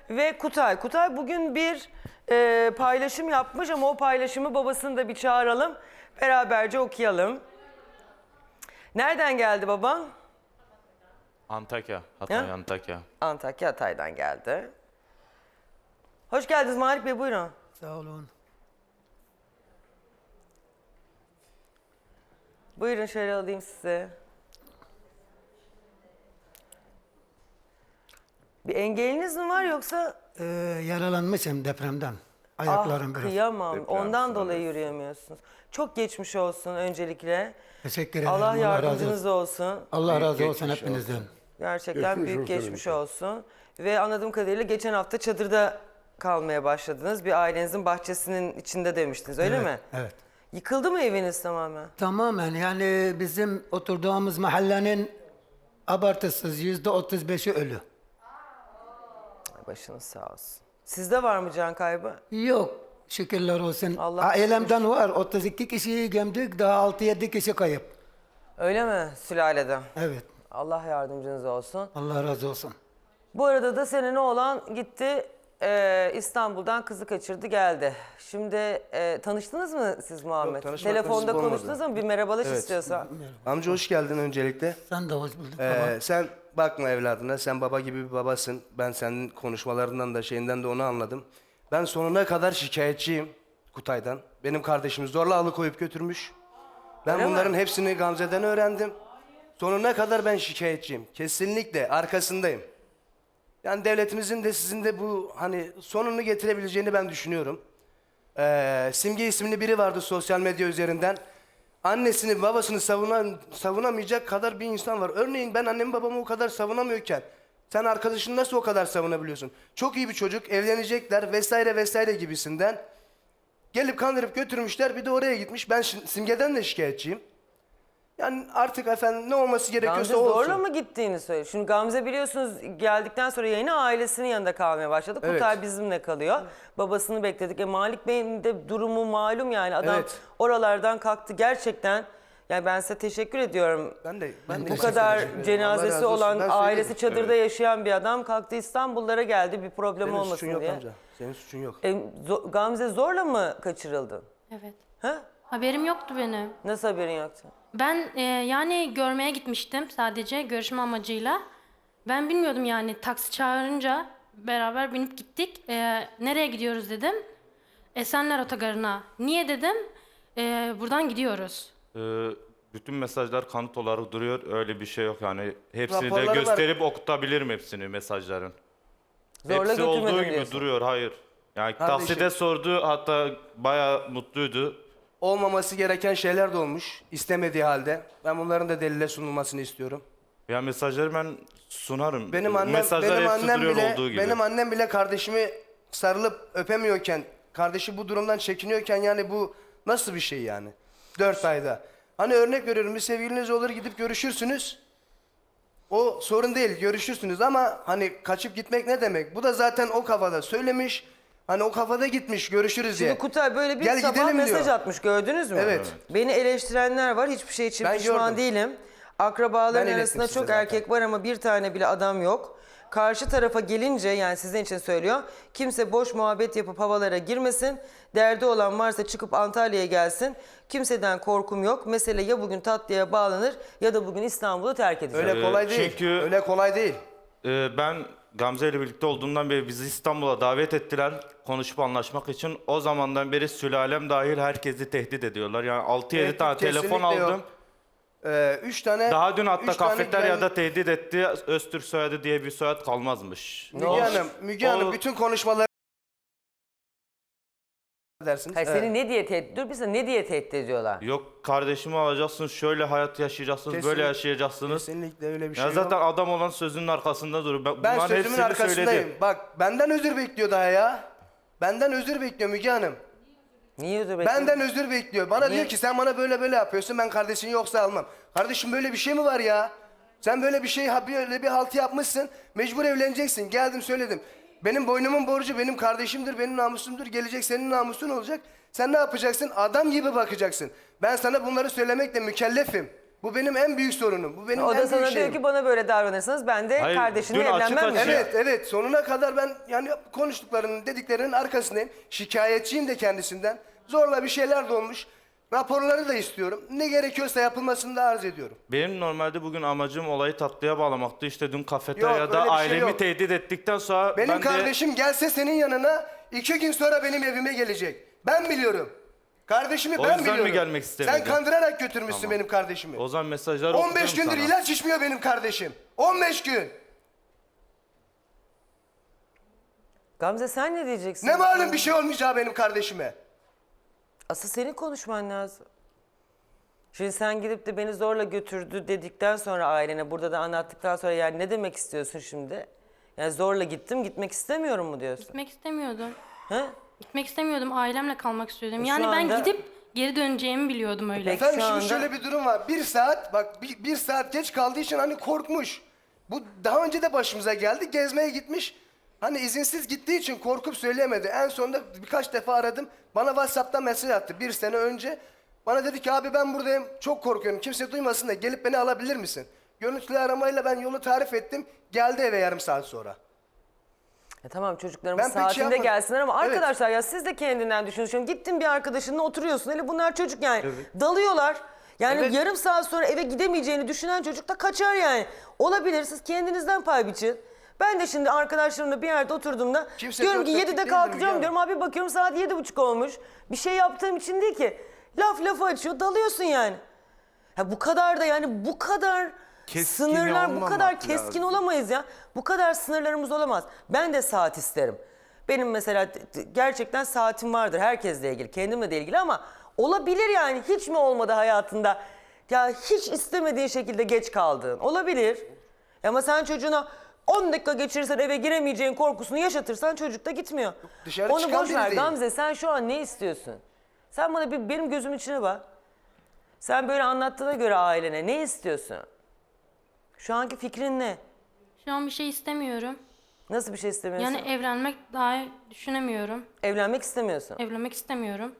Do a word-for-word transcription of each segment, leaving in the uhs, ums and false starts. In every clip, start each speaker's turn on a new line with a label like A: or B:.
A: ve Kutay. Kutay bugün bir e, paylaşım yapmış ama o paylaşımı babasını da bir çağıralım. Beraberce okuyalım. Nereden geldi baban?
B: Antakya, Hatay,
A: Ha?
B: Antakya.
A: Antakya, Hatay'dan geldi. Hoş geldiniz Malik Bey, buyurun.
C: Sağ olun.
A: Buyurun şöyle alayım sizi. Bir engeliniz mi var yoksa?
C: Ee, yaralanmışım depremden. Ayaklarım
A: Ah
C: biraz.
A: kıyamam.
B: Deprem
A: Ondan
B: sonrası.
A: dolayı yürüyemiyorsunuz. Çok geçmiş olsun öncelikle.
C: Teşekkür ederim.
A: Allah
C: razı
A: yardımcınız
C: olsun.
A: olsun.
C: Allah razı olsun
B: geçmiş
C: hepinizden.
A: Gerçekten
D: Geçmiş
A: büyük
D: olsun
A: geçmiş
D: hemşire.
A: olsun. Ve anladığım kadarıyla geçen hafta çadırda kalmaya başladınız. Bir ailenizin bahçesinin içinde demiştiniz, öyle
C: Evet,
A: mi?
C: Evet.
A: Yıkıldı mı eviniz tamamen?
C: Tamamen yani bizim oturduğumuz mahallenin abartısız yüzde otuz beşi ölü.
A: Başınız sağ olsun. Sizde var mı can kaybı?
C: Yok şükürler olsun.
A: Allah
C: Ailemden var otuz iki kişiyi gömdük daha altı yedi kişi kayıp.
A: Öyle mi sülaleden?
C: Evet.
A: Allah yardımcınız olsun.
C: Allah razı olsun.
A: Bu arada da senin oğlan gitti e, İstanbul'dan kızı kaçırdı geldi. Şimdi e, tanıştınız mı siz Muhammed?
D: Yok, tanışmak
A: Telefonda
D: nasip olmadı.
A: konuştunuz mu? Bir merhabalaş
D: Evet.
A: istiyorsan.
D: Amca hoş geldin öncelikle.
C: Sen de hoş bulduk
D: Ee,
C: baba.
D: sen bakma evladına, sen baba gibi bir babasın. Ben senin konuşmalarından da şeyinden de onu anladım. Ben sonuna kadar şikayetçiyim Kutay'dan. Benim kardeşimi zorla alıkoyup götürmüş. Ben
A: Öyle mi?
D: bunların hepsini Gamze'den öğrendim. Sonuna kadar ben şikayetçiyim. Kesinlikle arkasındayım. Yani devletimizin de sizin de bu hani sonunu getirebileceğini ben düşünüyorum. Ee, Simge isimli biri vardı sosyal medya üzerinden. Annesini babasını savunan, savunamayacak kadar bir insan var. Örneğin ben annemi babamı o kadar savunamıyorken sen arkadaşını nasıl o kadar savunabiliyorsun? Çok iyi bir çocuk, evlenecekler vesaire vesaire gibisinden. Gelip kandırıp götürmüşler, bir de oraya gitmiş. Ben şi- Simge'den de şikayetçiyim. Yani artık efendim ne olması gerekiyorsa
A: Gamze
D: olsun.
A: zorla mı gittiğini söyle. Şimdi Gamze biliyorsunuz geldikten sonra yayına ailesinin yanında kalmaya başladı.
D: Evet.
A: Kutay bizimle kalıyor. Babasını bekledik. E, Malik Bey'in de durumu malum yani. Adam
D: Evet.
A: oralardan kalktı gerçekten. Yani ben size teşekkür ediyorum.
D: Ben de, ben de
A: Bu
D: teşekkür
A: kadar
D: ederim. Allah
A: cenazesi
D: razı olsun.
A: olan,
D: Ben
A: ailesi
D: söyleyeyim.
A: çadırda yaşayan bir adam kalktı İstanbullara geldi bir problem
D: Senin
A: olmasın
D: suçun yok
A: diye.
D: amca. Senin suçun yok.
A: E, zo- Gamze zorla mı kaçırıldı?
E: Evet.
A: Ha?
E: Haberim yoktu benim.
A: Nasıl haberin yoktu?
E: Ben e, yani görmeye gitmiştim sadece görüşme amacıyla. Ben bilmiyordum yani taksi çağırınca beraber binip gittik. E, nereye gidiyoruz dedim. Esenler Otogarı'na. Niye dedim. E, buradan gidiyoruz.
B: Ee, bütün mesajlar kanıt olarak duruyor. Öyle bir şey yok yani. Hepsini
D: Raporları
B: de
D: var.
B: gösterip okutabilirim hepsini mesajların.
A: Zorla
B: Hepsi olduğu
A: götürmedim
B: gibi
A: diyorsun.
B: duruyor. Hayır. Yani
D: Kardeşim.
B: takside sordu, hatta bayağı mutluydu.
D: Olmaması gereken şeyler de olmuş istemediği halde. Ben bunların da delile sunulmasını istiyorum.
B: Ya mesajları ben sunarım.
D: Benim annem
B: Mesajlar
D: benim
B: hepsi
D: annem
B: duruyor
D: bile
B: olduğu gibi.
D: benim annem bile kardeşimi sarılıp öpemiyorken, kardeşi bu durumdan çekiniyorken yani bu nasıl bir şey yani? Dört ayda. Hani örnek veriyorum, bir sevgiliniz olur gidip görüşürsünüz. O sorun değil, görüşürsünüz ama hani kaçıp gitmek ne demek? Bu da zaten o kafada söylemiş. Hani o kafada gitmiş, görüşürüz diye.
A: Şimdi Kutay böyle bir
D: Gel
A: sabah
D: gidelim
A: mesaj
D: diyor.
A: atmış, gördünüz mü?
D: Evet.
A: Beni eleştirenler var, hiçbir şey için
D: Ben
A: pişman
D: gördüm.
A: değilim. Akrabaların
D: Ben
A: arasında
D: ilettim
A: çok
D: size zaten.
A: erkek var ama bir tane bile adam yok. Karşı tarafa gelince, yani sizin için söylüyor, kimse boş muhabbet yapıp havalara girmesin. Derdi olan varsa çıkıp Antalya'ya gelsin. Kimseden korkum yok. Mesele ya bugün tatlıya bağlanır ya da bugün İstanbul'u terk edeceğim.
D: Öyle
B: Ee,
D: kolay değil.
B: çünkü-
D: Öyle kolay değil.
B: Ee, ben Gamze ile birlikte olduğumdan beri bizi İstanbul'a davet ettiler konuşup anlaşmak için. O zamandan beri sülalem dahil herkesi tehdit ediyorlar. Yani altı yedi
D: Tehdit
B: tane telefon
D: kesinlikle
B: aldım.
D: yok. Ee, üç tane
B: Daha dün hatta
D: üç tane
B: kafeteryada
D: ben-
B: tehdit etti. Öztürk soyadı diye bir soyad kalmazmış.
D: Müge
B: O-
D: Hanım, Müge
B: o-
D: Hanım bütün konuşmaları dersiniz.
A: Hayır,
D: Evet.
A: seni ne diye tehdit, dur bir saniye, ne diye tehdit ediyorlar?
B: Yok kardeşimi alacaksınız, şöyle hayat yaşayacaksınız,
D: Kesin-
B: böyle yaşayacaksınız.
D: Kesinlikle öyle bir şey
B: Ya zaten
D: yok.
B: adam olan sözünün arkasında durur. Ben,
D: Ben
B: bunların
D: sözümün
B: hepsini
D: arkasındayım.
B: söyledim.
D: Bak benden özür bekliyor daha ya. Benden özür bekliyor Müge Hanım.
A: Niye özür bekliyorsun?
D: Benden özür bekliyor. Bana
A: Niye?
D: diyor ki sen bana böyle böyle yapıyorsun, ben kardeşini yoksa almam. Kardeşim böyle bir şey mi var ya? Sen böyle bir şey, ha- böyle bir haltı yapmışsın. Mecbur evleneceksin. Geldim söyledim. Benim boynumun borcu benim kardeşimdir, benim namusumdur. Gelecek senin namusun olacak. Sen ne yapacaksın? Adam gibi bakacaksın. Ben sana bunları söylemekle mükellefim. Bu benim en büyük sorunum. Bu benim
A: O
D: en
A: da
D: büyük
A: sana
D: şeyim.
A: diyor ki bana böyle davranırsanız ben de
B: Hayır,
A: kardeşinle
B: dün açık
A: evlenmem mi?
B: açık-
D: Evet, evet. Sonuna kadar ben yani konuştuklarının, dediklerinin arkasındayım. Şikayetçiyim de kendisinden. Zorla bir şeyler de olmuş. Raporları da istiyorum. Ne gerekiyorsa yapılmasını da arz ediyorum.
B: Benim normalde bugün amacım olayı tatlıya bağlamaktı. İşte dün
D: Yok,
B: kafeteryada
D: öyle bir şey
B: ailemi
D: yok.
B: tehdit ettikten sonra
D: Benim
B: ben de...
D: kardeşim gelse senin yanına iki gün sonra benim evime gelecek. Ben biliyorum. Kardeşimi
B: O
D: ben
B: yüzden mi
D: biliyorum.
B: gelmek istemedin?
D: Sen kandırarak götürmüşsün benim kardeşimi.
B: O zaman mesajları
D: on beş
B: okudum
D: gündür
B: sana.
D: ilaç içmiyor benim kardeşim. on beş gün.
A: Gamze sen ne diyeceksin?
D: Ne malum bir şey olmayacağı benim kardeşime.
A: Asıl senin konuşman lazım. Şimdi sen gidip de beni zorla götürdü dedikten sonra ailene burada da anlattıktan sonra yani ne demek istiyorsun şimdi? Yani zorla gittim gitmek istemiyorum mu diyorsun?
E: Gitmek istemiyordum.
A: He?
E: Gitmek istemiyordum. Ailemle kalmak istiyordum.
A: Şu
E: Yani ben
A: anda-
E: gidip geri döneceğimi biliyordum öyle.
A: Peki.
D: Efendim
A: Şu
D: şimdi
A: anda-
D: şöyle bir durum var. Bir saat bak bir, bir saat geç kaldığı için hani korkmuş. Bu daha önce de başımıza geldi. Gezmeye gitmiş. Hani izinsiz gittiği için korkup söyleyemedi. En sonunda birkaç defa aradım. Bana WhatsApp'tan mesaj attı bir sene önce. Bana dedi ki abi ben buradayım. Çok korkuyorum. Kimse duymasın da gelip beni alabilir misin? Görüntülü aramayla ben yolu tarif ettim. Geldi eve yarım saat sonra.
A: E tamam çocuklarımız
D: Ben pek şey
A: saatinde
D: yapmadım.
A: gelsinler ama
D: Evet.
A: arkadaşlar ya siz de kendinden düşünün. Şimdi gittin bir arkadaşınla oturuyorsun. Hele bunlar çocuk yani. Dalıyorlar. Yani
D: Evet.
A: yarım saat sonra eve gidemeyeceğini düşünen çocuk da kaçar yani. Olabilir siz kendinizden pay biçin. Ben de şimdi arkadaşlarımla bir yerde oturduğumda
D: Kimse
A: diyorum ki
D: dört
A: yedide
D: dörtlük değildir Müge
A: kalkacağım
D: Hanım.
A: diyorum. Abi bakıyorum saat yedi buçuk olmuş. Bir şey yaptığım için değil ki. Laf lafı açıyor dalıyorsun yani. Ha bu kadar da yani bu kadar
F: Keskin
A: sınırlar bu
F: olmamak
A: kadar keskin
F: lazım.
A: olamayız ya. Bu kadar sınırlarımız olamaz. Ben de saat isterim. Benim mesela t- t- gerçekten saatim vardır herkesle ilgili, kendimle de ilgili ama olabilir yani hiç mi olmadı hayatında? Ya hiç istemediğin şekilde geç kaldığın olabilir. Ama sen çocuğuna on dakika geçirirsen eve giremeyeceğin korkusunu yaşatırsan çocuk da gitmiyor.
D: Dışarı
A: Onu
D: çıkan
A: boş
D: biri
A: ver
D: değil.
A: Gamze sen şu an ne istiyorsun? Sen bana bir benim gözüm içine bak. Sen böyle anlattığına göre ailene ne istiyorsun? Şu anki fikrin ne?
E: Şu an bir şey istemiyorum.
A: Nasıl bir şey istemiyorsun?
E: Yani evlenmek daha düşünemiyorum.
A: Evlenmek istemiyorsun.
E: Evlenmek istemiyorum.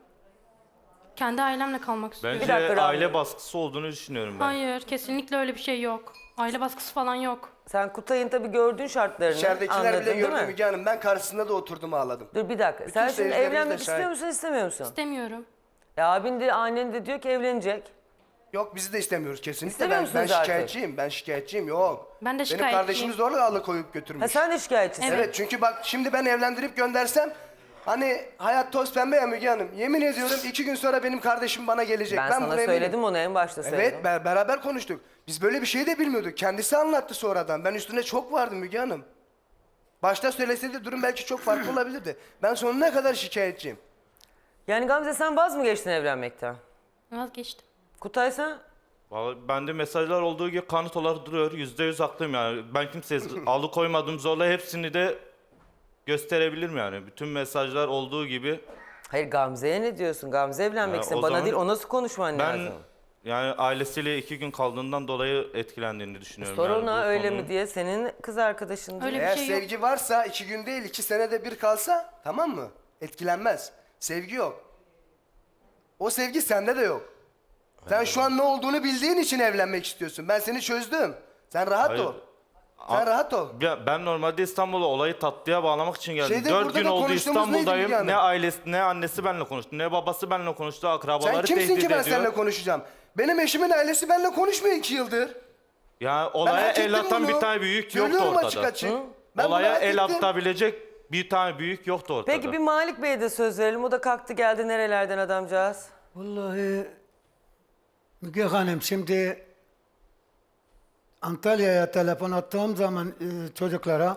E: Kendi ailemle kalmak istiyorum.
B: Bence
A: dakika, Rahmi.
B: aile baskısı olduğunu düşünüyorum ben.
E: Hayır, kesinlikle öyle bir şey yok. Aile baskısı falan yok.
A: Sen Kutay'ın tabii gördüğün şartlarını
D: İçeridekiler
A: anladın
D: bile
A: değil
D: gördü
A: mi?
D: Müge Hanım. Ben karşısında da oturdum ağladım.
A: Dur bir dakika. Sen şimdi
D: seyircilerimiz de
A: evlenmek
D: şahit.
A: istiyor musun istemiyor musun?
E: İstemiyorum.
A: E abin de annen de diyor ki evlenecek.
D: Yok bizi de istemiyoruz kesinlikle.
A: İstemiyor
D: Ben, ben
A: musunuz artık?
D: şikayetçiyim. Ben şikayetçiyim. Yok.
E: Ben de
D: Benim
E: şikayetçiyim.
D: kardeşimi zorla alıkoyup götürmüş.
A: Ha sen de şikayetçisin.
D: Evet çünkü bak şimdi ben evlendirip göndersem hani hayat toz pembe ya Müge Hanım. Yemin ediyorum iki gün sonra benim kardeşim bana gelecek.
A: Ben,
D: Ben,
A: sana
D: buna eminim.
A: söyledim onu en başta söyledim.
D: Evet be- beraber konuştuk. Biz böyle bir şey de bilmiyorduk. Kendisi anlattı sonradan. Ben üstüne çok vardım Müge Hanım. Başta söyleseydi durum belki çok farklı olabilirdi. Ben sonuna kadar şikayetçiyim.
A: Yani Gamze sen vaz mı geçtin evlenmekten?
E: Vazgeçtim.
A: Kutay sen?
B: Vallahi bende mesajlar olduğu gibi kanıt olarak duruyor. Yüzde yüz haklıyım yani. Ben kimseye alıkoymadım zorla hepsini de gösterebilirim yani. Bütün mesajlar olduğu gibi.
A: Hayır Gamze'ye ne diyorsun? Gamze evlenmek
B: Ya,
A: istiyor.
B: o
A: Bana
B: zaman
A: değil o nasıl konuşman
B: Ben
A: lazım?
B: yani ailesiyle iki gün kaldığından dolayı etkilendiğini düşünüyorum.
A: Sor
B: yani
A: ona
B: bu
A: öyle
B: konunun.
A: mi diye senin kız arkadaşın diye.
E: Öyle bir
D: Eğer
E: şey yok.
D: sevgi varsa iki gün değil iki senede bir kalsa tamam mı? Etkilenmez. Sevgi yok. O sevgi sende de yok. Sen şu an ne olduğunu bildiğin için evlenmek istiyorsun. Ben seni çözdüm. Sen rahat
B: Hayır.
D: ol. Sen rahat ol.
B: Ya ben normalde İstanbul'a olayı tatlıya bağlamak için geldim.
D: Şeyde,
B: Dört
D: burada
B: gün
D: da
B: oldu
D: konuştuğumuz neydi
B: İstanbul'dayım.
D: Müge Hanım?
B: Ne ailesi ne annesi benimle konuştu, ne babası benimle konuştu, akrabaları
D: Sen kimsin
B: tehdit
D: ki ben
B: ediyor.
D: seninle konuşacağım? Benim eşimin ailesi benimle konuşmuyor iki yıldır.
B: Ya
D: Ben
B: olaya
D: hak
B: el
D: ettim
B: atan
D: bunu.
B: bir tane büyük yoktu
D: Söylüyorum
B: ortada.
D: açık açık. Ben bunu
B: Olaya
D: hak
B: el
D: ettim.
B: atabilecek bir tane büyük yoktu ortada.
A: Peki bir Malik Bey'e de söz verelim. O da kalktı geldi nerelerden adamcağız.
C: Vallahi Müge Hanım şimdi Antalya'ya telefon attığım zaman e, çocuklara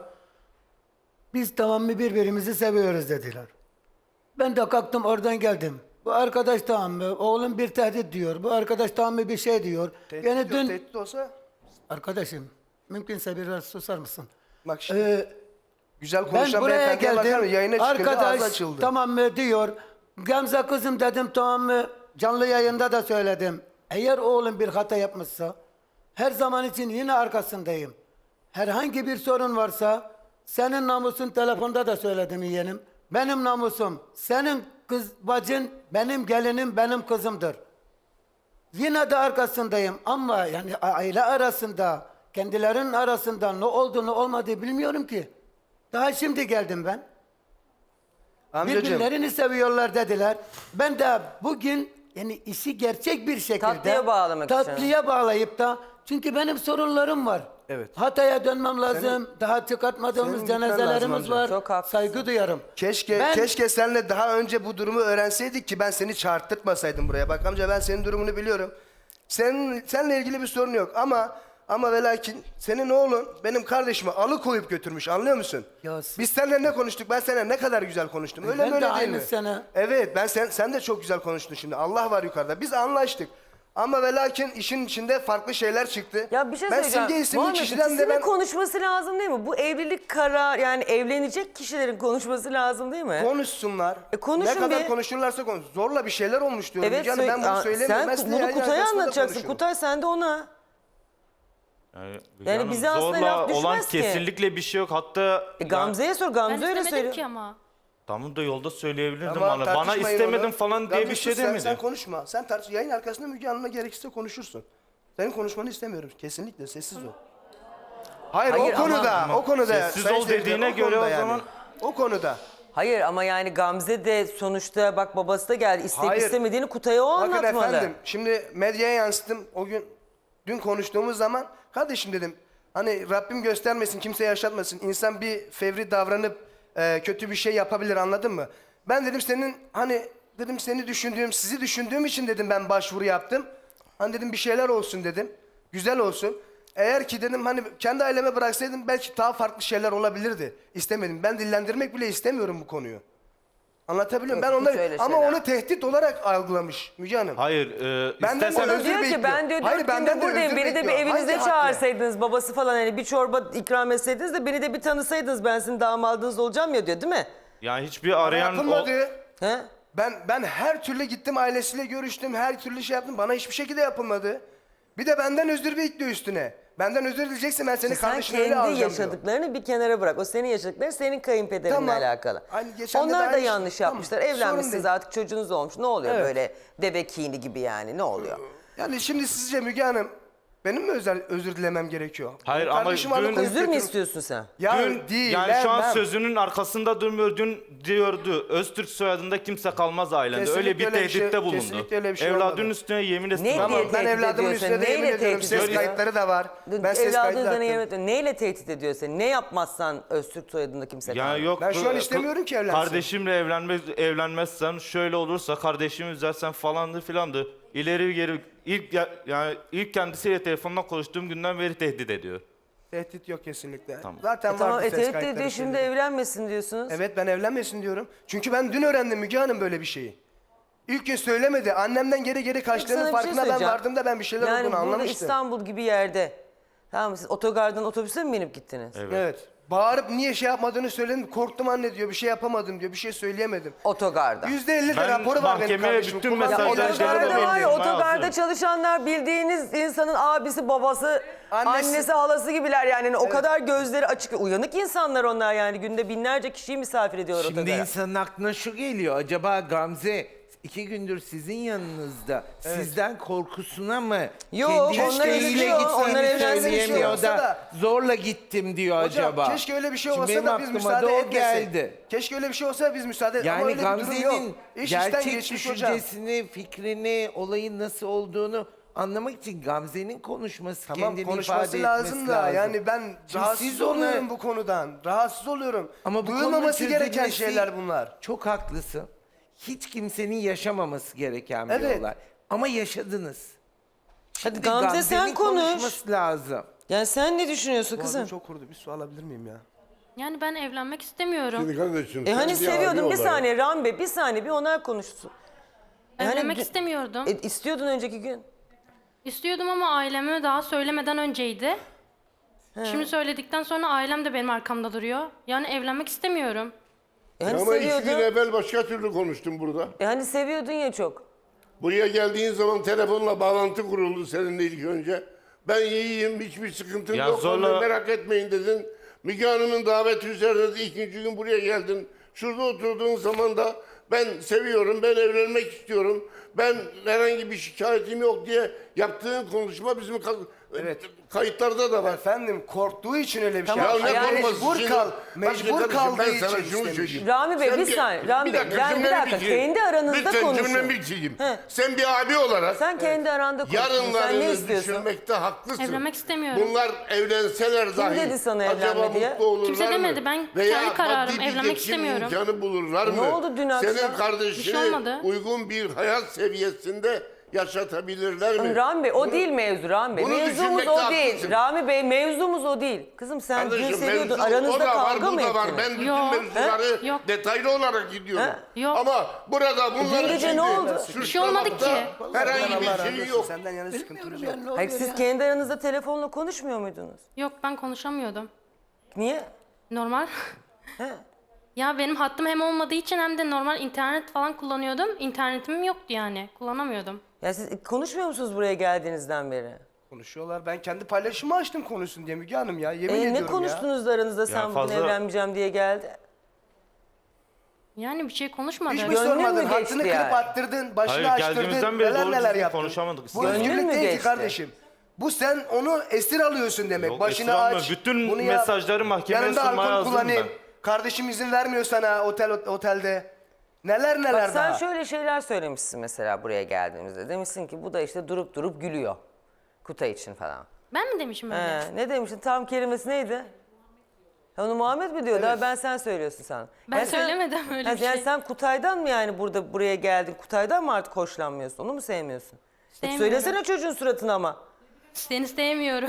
C: biz tamamı birbirimizi seviyoruz dediler. Ben de kalktım oradan geldim. Bu arkadaş tamam mı? Oğlum bir tehdit diyor. Bu arkadaş tamam mı bir şey diyor.
D: Tehdit
C: Yani
D: yok,
C: dün
D: tehdit olsa
C: arkadaşım mümkünse biraz susar mısın?
D: bak şimdi
C: Ee,
D: güzel
C: Ben
D: konuşan
C: buraya
D: beyefendiye bakar mı?
C: geldim.
D: Yayına çıkınca ağzı
C: Arkadaş
D: açıldı.
C: tamam mı diyor. Gamze kızım dedim tamam mı? Canlı yayında da söyledim. Eğer oğlum bir hata yapmışsa her zaman için yine arkasındayım. Herhangi bir sorun varsa senin namusun telefonda da söyledim yeğenim. Benim namusum, senin kız bacın, benim gelinim, benim kızımdır. Yine de arkasındayım ama yani aile arasında, kendilerinin arasında ne oldu ne olmadı bilmiyorum ki. Daha şimdi geldim ben.
D: Amcacığım,
C: Birbirlerini seviyorlar dediler. Ben de bugün yani işi gerçek bir şekilde
A: Tatlıya bağlamak için.
C: tatlıya bağlayıp da çünkü benim sorunlarım var.
D: Evet.
C: Hatay'a dönmem lazım. Daha çıkartmadığımız
D: senin gitmen lazım
C: cenazelerimiz
D: amca.
C: var.
A: Çok haklısın.
C: Saygı duyarım.
D: keşke
C: Ben-
D: keşke senle daha önce bu durumu öğrenseydik ki ben seni çağırtırtmasaydım buraya. Bak amca, ben senin durumunu biliyorum. Senin seninle ilgili bir sorun yok ama ama ve lakin senin oğlun benim kardeşimi alıkoyup götürmüş, anlıyor musun?
C: Ya-
D: Biz seninle ne konuştuk? Ben seninle ne kadar güzel konuştum. Öyle
C: Ben
D: mi
C: de
D: öyle değil
C: aynı
D: mi?
C: sene.
D: Evet, ben sen sen de çok güzel konuştun şimdi. Allah var yukarıda. Biz anlaştık. Ama ve lakin işin içinde farklı şeyler çıktı.
A: Ya bir şey
D: ben
A: söyleyeceğim.
D: Simge isimli
A: Muhammed,
D: kişiden de
A: ikisinin
D: ben
A: konuşması lazım değil mi? Bu evlilik karar yani evlenecek kişilerin konuşması lazım değil mi?
D: konuşsunlar.
A: E konuşun
D: ne kadar
A: bir.
D: konuşurlarsa konuş. Zorla bir şeyler olmuş diyorum.
A: Evet,
D: Canım, ben
A: söyle-
D: bunu
A: Aa,
D: söylemiyorum. Ben
A: sen
D: size
A: bunu
D: yayın
A: Kutay'a
D: arkasında da
A: anlatacaksın.
D: konuşurum.
A: Kutay sen de ona.
B: Yani,
A: Yani
B: canım,
A: bize aslında
B: zorla
A: laf düşmez
B: olan
A: ki.
B: kesinlikle bir şey yok. Hatta
A: E, Gamze'ye sor.
E: Ben
A: Gamze öyle
E: istemedim
A: söylüyor.
E: ki ama.
B: tamam da yolda söyleyebilirdim
D: Tamam,
B: bana. Bana
D: tartışmayın
B: istemedim
D: onu.
B: falan diye
D: Gamze,
B: bir şey
D: sus sen,
B: demedi.
D: Sen konuşma. Sen tartış. Yayın arkasında Müge Hanım'la gerekirse konuşursun. Senin konuşmanı istemiyorum. Kesinlikle sessiz ol. Hayır,
A: Hayır,
D: o konuda,
A: ama-
D: o konuda.
B: Sessiz
D: sayın
B: ol
D: seyirciler,
B: dediğine
D: o
B: göre
D: konuda
B: o zaman-
D: O konuda.
A: Hayır ama yani Gamze de sonuçta bak babası da geldi. İsteyip
D: Hayır.
A: istemediğini Kutay'a o
D: Bakın
A: anlatmalı.
D: efendim, şimdi medyaya yansıttım. O gün, dün konuştuğumuz zaman, kardeşim dedim, hani Rabbim göstermesin, kimse yaşatmasın. İnsan bir fevri davranıp e, kötü bir şey yapabilir, anladın mı? Ben dedim senin, hani dedim seni düşündüğüm, sizi düşündüğüm için dedim ben başvuru yaptım. Hani dedim bir şeyler olsun dedim, güzel olsun. Eğer ki dedim hani kendi aileme bıraksaydım belki daha farklı şeyler olabilirdi. İstemedim. Ben dillendirmek bile istemiyorum bu konuyu. Anlatabiliyor muyum? Ben
A: Yok, hiç
D: onları
A: öyle
D: ama
A: şeyler.
D: onu tehdit olarak algılamış Müge Hanım.
B: Hayır, e,
D: Benden
B: istersen
D: de
A: O
D: özür
A: diyor ki
D: bekliyor.
A: ben diyor
D: Hayır,
A: dört
D: benden
A: gündür
D: de
A: buradayım.
D: özür
A: Beni de bir
D: bekliyor.
A: evinize
D: Hangi hakla?
A: çağırsaydınız babası falan hani bir çorba ikram etseydiniz de beni de bir tanısaydınız ben sizin damadınız olacağım ya diyor değil mi?
B: yani hiçbir arayan o,
D: Yapılmadı.
A: He?
D: Ben ben her türlü gittim, ailesiyle görüştüm, her türlü şey yaptım. Bana hiçbir şekilde yapılmadı. Bir de benden özür bekliyor üstüne. Benden özür dileyeceksin, ben seni
A: Sen
D: kardeşine öyle
A: kendi
D: alacağım diyor.
A: yaşadıklarını bir kenara bırak. O senin yaşadıkların senin kayınpederinle
D: Tamam.
A: alakalı.
D: Aynı geçen de de
A: Onlar da
D: aynı şey.
A: yanlış
D: Tamam.
A: yapmışlar.
D: Sorun
A: Evlenmişsiniz
D: değil.
A: artık çocuğunuz olmuş. Ne oluyor
D: Evet.
A: böyle deve kini gibi yani ne oluyor?
D: Yani şimdi sizce Müge Hanım benim mi özel özür dilemem gerekiyor?
B: Hayır,
D: Benim
B: ama
D: kardeşim
B: dün-
D: alıkoyup
A: Özür mü
D: götürmüş.
A: istiyorsun sen?
D: Ya
B: dün,
D: değil.
B: yani şu an
D: ben-
B: sözünün arkasında durmuyor. Dün diyordu Öztürk soyadında kimse kalmaz ailende.
D: Kesinlikle
B: öyle bir
D: öyle bir şey-
B: tehditte bulundu.
D: kesinlikle öyle bir şey
B: Evladının
D: olmadı.
B: üstüne yemin etsin.
A: Ne
B: ama-
A: diye
D: Tamam, ben
A: tehdit
D: evladımın
A: ediyorsun?
D: üstüne de
A: Neyle
D: yemin ediyorum.
A: tehdit
D: Ses
A: ediyor?
D: kayıtları da var. Ben ses
A: Evladın
D: kaydı da
A: üzerine
D: attım.
A: yemin- Neyle tehdit ediyor seni? Ne yapmazsan Öztürk soyadında kimse
B: Yani
A: kalmaz.
B: yok.
D: Ben şu an
B: bu-
D: istemiyorum ki evlensin.
B: Kardeşimle evlenmez, evlenmezsen şöyle olursa kardeşimi üzersen falandı filandı. İleri geri ilk ya- yani ilk kendisiyle telefonla konuştuğum günden beri tehdit ediyor.
D: Tehdit yok kesinlikle.
B: Tamam.
D: Zaten
A: E tamam
D: vardı
A: e,
D: ses
A: tehdit
D: kayıtları,
A: ediyor şimdi
D: şeyleri.
A: evlenmesin diyorsunuz.
D: Evet, ben evlenmesin diyorum. Çünkü ben dün öğrendim Müge Hanım böyle bir şeyi. İlk gün söylemedi. Annemden geri geri
A: Sana
D: kaçtığının
A: bir şey
D: farkına ben
A: söyleyeceğim.
D: vardığımda ben bir şeyler
A: yani
D: olduğunu
A: burada
D: anlamıştım.
A: İstanbul gibi yerde. Tamam mı? Siz otogardan otobüse mi binip gittiniz?
B: Evet.
D: Evet. Bağırıp niye şey yapmadığını söyledim. Korktum anne diyor. Bir şey yapamadım diyor. Bir şey söyleyemedim.
A: Otogarda.
D: yüzde elli de
B: Ben
D: raporu var benim
B: mahkemeye
D: kardeşim.
B: bütün
D: Kullandığı
A: Ya
B: mesajları
D: ilaçları
B: şeyleri
D: da
A: otogarda var ya
D: belli.
B: belli.
A: otogarda
B: Hazır.
A: çalışanlar bildiğiniz insanın abisi, babası,
D: Annesi.
A: annesi, halası gibiler yani. Yani o kadar gözleri açık, uyanık insanlar onlar yani. Günde binlerce kişiyi misafir ediyorlar
F: Şimdi
A: otogara.
F: insanın aklına şu geliyor. Acaba Gamze iki gündür sizin yanınızda sizden korkusuna mı
A: Yok,
F: kendi
A: onlar
F: isteğiyle
A: evleniyor,
F: gittiğini
A: onlar evlenmiş
F: söyleyemiyor
D: olsa
F: da,
D: da-
F: zorla gittim diyor
D: Hocam
F: acaba.
D: keşke öyle bir şey
F: Şimdi
D: olsa
F: benim
D: da biz
F: aklıma
D: müsaade
F: da o
D: etmesek.
F: geldi.
D: Keşke öyle bir şey olsa da biz müsaade et. Ama
F: Yani
D: öyle bir durum yok.
F: Gamze'nin
D: İş işten
F: gerçek
D: geçmiş hocam.
F: düşüncesini, fikrini, olayın nasıl olduğunu anlamak için Gamze'nin konuşması,
D: Tamam,
F: kendini
D: konuşması
F: ifade
D: lazım
F: etmesi
D: da
F: lazım.
D: yani ben
F: Şimdi
D: rahatsız
F: siz ona-
D: oluyorum bu konudan. Rahatsız oluyorum.
F: Ama bu
D: Duyulmaması
F: konunun
D: gereken
F: çözülmesi-
D: şeyler bunlar.
F: Çok haklısın. Hiç kimsenin yaşamaması gereken bir
D: Evet.
F: olay. Ama yaşadınız.
A: Hadi
F: Şimdi
A: Gamze sen
F: Gamze'nin
A: konuş.
F: konuşması lazım.
A: Yani sen ne düşünüyorsun
D: Boğazım
A: kızım?
D: çok kurudu. Bir su alabilir miyim ya?
E: Yani ben evlenmek istemiyorum.
G: Şimdi kardeşim,
A: E
G: sen
A: hani
G: bir
A: seviyordun
G: abi
A: bir
G: olarak-
A: saniye Rambe bir saniye bir onlar konuşsun. E hani
E: Evlenmek
A: dü-
E: istemiyordum.
A: E, istiyordun önceki gün.
E: İstiyordum ama aileme daha söylemeden önceydi. Şimdi söyledikten sonra ailem de benim arkamda duruyor. Yani evlenmek istemiyorum.
A: E hani
G: Ama iki gün
A: seviyordun.
G: evvel başka türlü konuştum burada.
A: E hani seviyordun ya çok.
G: Buraya geldiğin zaman telefonla bağlantı kuruldu seninle ilk önce. Ben iyiyim, hiçbir sıkıntım
B: Ya
G: yok,
B: zorla-
G: merak etmeyin dedin. Müge Hanım'ın daveti üzerine de ikinci gün buraya geldin. Şurada oturduğun zaman da ben seviyorum, ben evlenmek istiyorum. Ben herhangi bir şikayetim yok diye yaptığın konuşma bizim ka-
D: Evet.
G: kayıtlarda da var.
D: Efendim korktuğu için öyle bir
A: Tamam,
D: şey.
G: Ya ne
A: yani
G: korkması?
D: mecbur
G: Şimdi-
D: kal,
G: Bak
D: mecbur
G: kardeşim,
D: kaldığı
G: ben sana
D: için
G: şunu
D: istemiş.
G: söyleyeyim.
A: Rami Bey
G: Sen
A: bir saniye. Rami Bey
G: dakika,
A: ben bir
G: cümlemi
A: dakika
G: bitireyim.
A: kendi aranızda
G: Lütfen
A: konuşun.
G: cümlemi bitireyim.
A: He.
G: Sen bir abi olarak
A: Sen kendi aranda konuşun. Sen ne
G: yarınlarını
A: istiyorsun?
G: düşünmekte haklısın.
E: Evlenmek istemiyorum.
G: Bunlar evlenseler dahi
A: dedi sana
G: acaba
A: evlenme diye?
G: mutlu olurlar
E: Kimse
G: mı?
E: demedi, ben
G: Veya
E: kendi kararım,
G: maddi bir
E: evlenmek
G: geçim
E: istemiyorum.
G: imkanı bulurlar mı?
A: Ne oldu dün akşam?
G: Senin
E: Bir
G: kardeşini
E: şey olmadı.
G: uygun bir hayat seviyesinde yaşatabilirler mi?
A: Rami Bey o değil mevzu Rami Bey.
G: Bunu
A: Mevzumuz
G: düşünmekte
A: o değil.
G: haklısın.
A: Rami Bey mevzumuz o değil. Kızım sen dün
G: Kardeşim
A: seviyordun.
G: mevzu
A: Aranızda
G: o da var,
A: kavga
G: bu
A: mı
G: da var.
A: ettiniz?
G: Ben bütün
E: Yok.
G: mevzuları
E: He? Yok.
G: detaylı olarak gidiyorum.
A: He?
E: Yok.
G: Ama burada bunlar
A: Dün gece ne oldu?
E: Bir şey olmadı ki.
G: Herhangi
D: Allah
G: bir
D: razı
G: şey
D: olsun,
G: yok.
D: Senden yana sıkıntımız yok.
C: Yani ne
A: Hayır,
C: oluyor
A: siz
C: ya?
A: kendi aranızda telefonla konuşmuyor muydunuz?
E: Yok, ben konuşamıyordum.
A: Niye?
E: Normal.
A: He.
E: Ya benim hattım hem olmadığı için hem de normal internet falan kullanıyordum. İnternetim yoktu yani. Kullanamıyordum.
A: Ya siz konuşmuyor musunuz buraya geldiğinizden beri?
D: Konuşuyorlar. Ben kendi paylaşımı açtım konuşsun diye Müge Hanım ya. Yemin
A: E,
D: ediyorum
A: ne
D: ya.
A: konuştunuz da aranızda sen bugün
B: fazla-
A: evlenmeyeceğim diye geldi?
E: Yani bir şey konuşmadık.
D: Hiç mi
A: Gönlün mü
D: sormadın?
A: geçti
D: Hattını kırıp
A: yani?
D: attırdın, başını
B: Hayır,
D: açtırdın.
B: geldiğimizden beri
D: Neler
B: doğru
D: neler
B: düzgün
D: yaptın.
B: konuşamadık.
D: Bu
A: Gönlün
D: özgürlük
A: mü
D: değil ki
A: geçti?
D: kardeşim. Bu sen onu esir alıyorsun demek.
B: Yok,
D: Başını
B: esir almıyorum.
D: aç.
B: Bütün
D: bunu yap.
B: mesajları mahkemeye
D: Yanında
B: sunmaya
D: alkol
B: hazırım
D: kullanayım.
B: ben.
D: Kardeşim izin vermiyor sana otel otelde. Neler neler
A: Bak sen
D: daha.
A: şöyle şeyler söylemişsin mesela buraya geldiğimizde. Demişsin ki bu da işte durup durup gülüyor. Kutay için falan.
E: Ben mi demişim öyle?
A: He, ne demiştin? Tam kelimesi neydi? Ha, onu Muhammed mi diyordu? Ha, ben sen söylüyorsun sen.
E: Ben
A: Yani sen-
E: söylemedim öyle
A: Ha,
E: bir
A: yani
E: şey.
A: sen Kutay'dan mı yani burada buraya geldin? Kutay'dan mı artık hoşlanmıyorsun? Onu mu sevmiyorsun? E,
E: Sevmiyorum.
A: söylesene çocuğun suratına ama.
E: Seni sevmiyorum.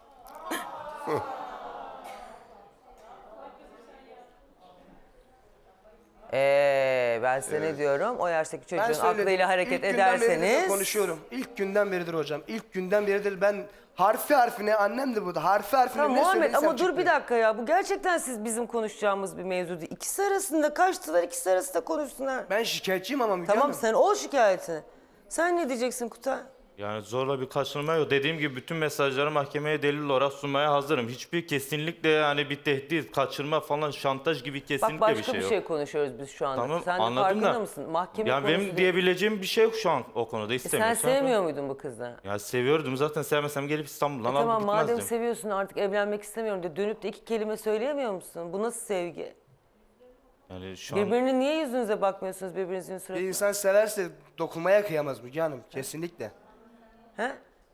A: Ee, ben size ne diyorum? O yaştaki
D: Ben
A: çocuğun
D: söyledim.
A: aklıyla hareket
D: İlk günden beridir de
A: ederseniz...
D: konuşuyorum. İlk günden beridir hocam. İlk günden beridir ben harfi harfine annem de burada. Harfi harfine
A: Tamam
D: ne
A: Muhammed
D: söylediysem
A: ama dur
D: çıktı.
A: bir dakika ya. Bu gerçekten siz bizim konuşacağımız bir mevzu değil. İkisi arasında kaçtılar, ikisi arasında konuşsunlar.
D: Ben şikayetçiyim ama Müge
A: Tamam
D: Hanım.
A: sen ol şikayetini. Sen ne diyeceksin Kutay?
B: Yani zorla bir kaçırma yok. Dediğim gibi bütün mesajları mahkemeye delil olarak sunmaya hazırım. Hiçbir kesinlikle yani bir tehdit, kaçırma falan, şantaj gibi kesinlikle
A: Bak başka
B: bir şey
A: bir
B: yok.
A: şey konuşuyoruz biz şu anda.
B: Tamam,
A: Sen de
B: anladım
A: farkında
B: da.
A: mısın? Mahkeme
B: Yani
A: konusu
B: benim
A: değil.
B: diyebileceğim bir şey yok şu an o konuda.
A: E sen
B: İstemiyorsan.
A: sevmiyor muydun bu kızı?
B: Ya seviyordum zaten, sevmesem gelip İstanbul'dan
A: E
B: alıp
A: tamam madem
B: gitmezdim.
A: seviyorsun artık evlenmek istemiyorum de dönüp de iki kelime söyleyemiyor musun? Bu nasıl sevgi?
B: Yani şu an
A: Birbirinin niye yüzünüze bakmıyorsunuz birbirinizin
D: Bir
A: suratına?
D: insan severse dokunmaya kıyamaz Müge Hanım. Kesinlikle.
A: He?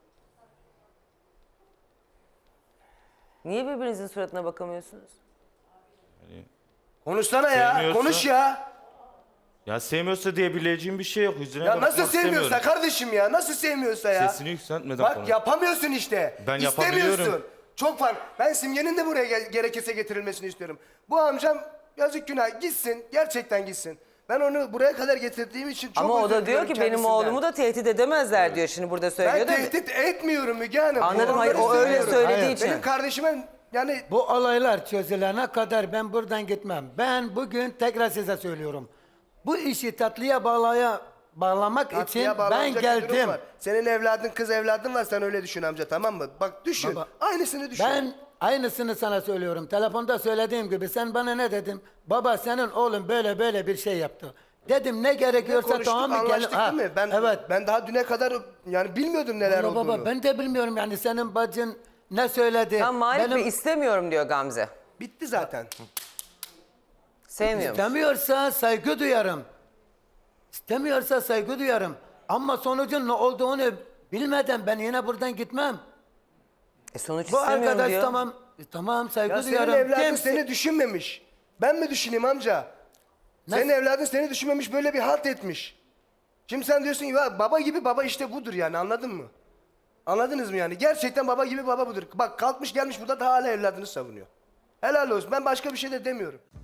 A: Niye birbirinizin suratına bakamıyorsunuz?
D: Konuşsana ya.
B: Sevmiyorsa-
D: Konuş ya.
B: ya sevmiyorsa diyebileceğim bir şey yok. Yüzüne
D: Ya
B: bakmak
D: nasıl sevmiyorsa
B: istemiyorum.
D: kardeşim ya? Nasıl sevmiyorsa ya?
B: Sesini yükseltmeden
D: Bak
B: konuş.
D: yapamıyorsun işte.
B: Ben
D: İstemiyorsun.
B: yapabiliyorum.
D: Çok fark. Ben Simge'nin de buraya gel- gerekirse getirilmesini istiyorum. Bu amcam yazık günah gitsin. Gerçekten gitsin. Ben onu buraya kadar getirdiğim için çok
A: Ama o
D: özür
A: da diyor
D: diliyorum
A: ki benim
D: kendisinden.
A: oğlumu da tehdit edemezler diyor şimdi burada
D: Ben
A: söylüyor da.
D: tehdit etmiyorum Müge Hanım.
A: Anladım,
D: Onları
A: hayır, o öyle
D: söylüyorum.
A: söylediği
C: Hayır,
A: için.
D: Benim kardeşime yani
C: Bu olaylar çözülene kadar ben buradan gitmem. Ben bugün tekrar size söylüyorum. Bu işi tatlıya bağlaya bağlamak için
D: tatlıya
C: ben
D: bağlanacak bir durum
C: geldim.
D: var. Senin evladın kız evladın var sen öyle düşün amca tamam mı? Bak düşün.
C: Baba,
D: Aynısını düşün.
C: Ben aynısını sana söylüyorum. Telefonda söylediğim gibi sen bana ne dedin? Baba senin oğlun böyle böyle bir şey yaptı. Dedim ne gerekiyorsa
D: konuştuk,
C: tamam mı? Gel-
D: anlaştık
C: Ha,
D: değil mi? Ben,
C: evet.
D: ben daha düne kadar yani bilmiyordum neler
C: Baba,
D: olduğunu.
C: baba ben de bilmiyorum yani senin bacın ne söyledi?
A: Tam Malik
C: Benim-
A: Bey istemiyorum diyor Gamze.
D: Bitti zaten.
A: Sevmiyor musun?
C: İstemiyorsa saygı duyarım. İstemiyorsa saygı duyarım. Ama sonucun ne olduğunu bilmeden ben yine buradan gitmem.
A: E sonuç
C: Bu
A: istemiyorum
C: arkadaş
A: diyor.
C: tamam e, tamam saygı
D: Ya senin
C: duyarım.
D: evladın
C: Kimse-
D: seni düşünmemiş. Ben mi düşüneyim amca? Senin evladın seni düşünmemiş böyle bir halt etmiş. Şimdi sen diyorsun ki "Ya baba gibi baba işte budur yani anladın mı? Anladınız mı yani? Gerçekten baba gibi baba budur. Bak kalkmış gelmiş burada da hala evladını savunuyor. Helal olsun ben başka bir şey de demiyorum.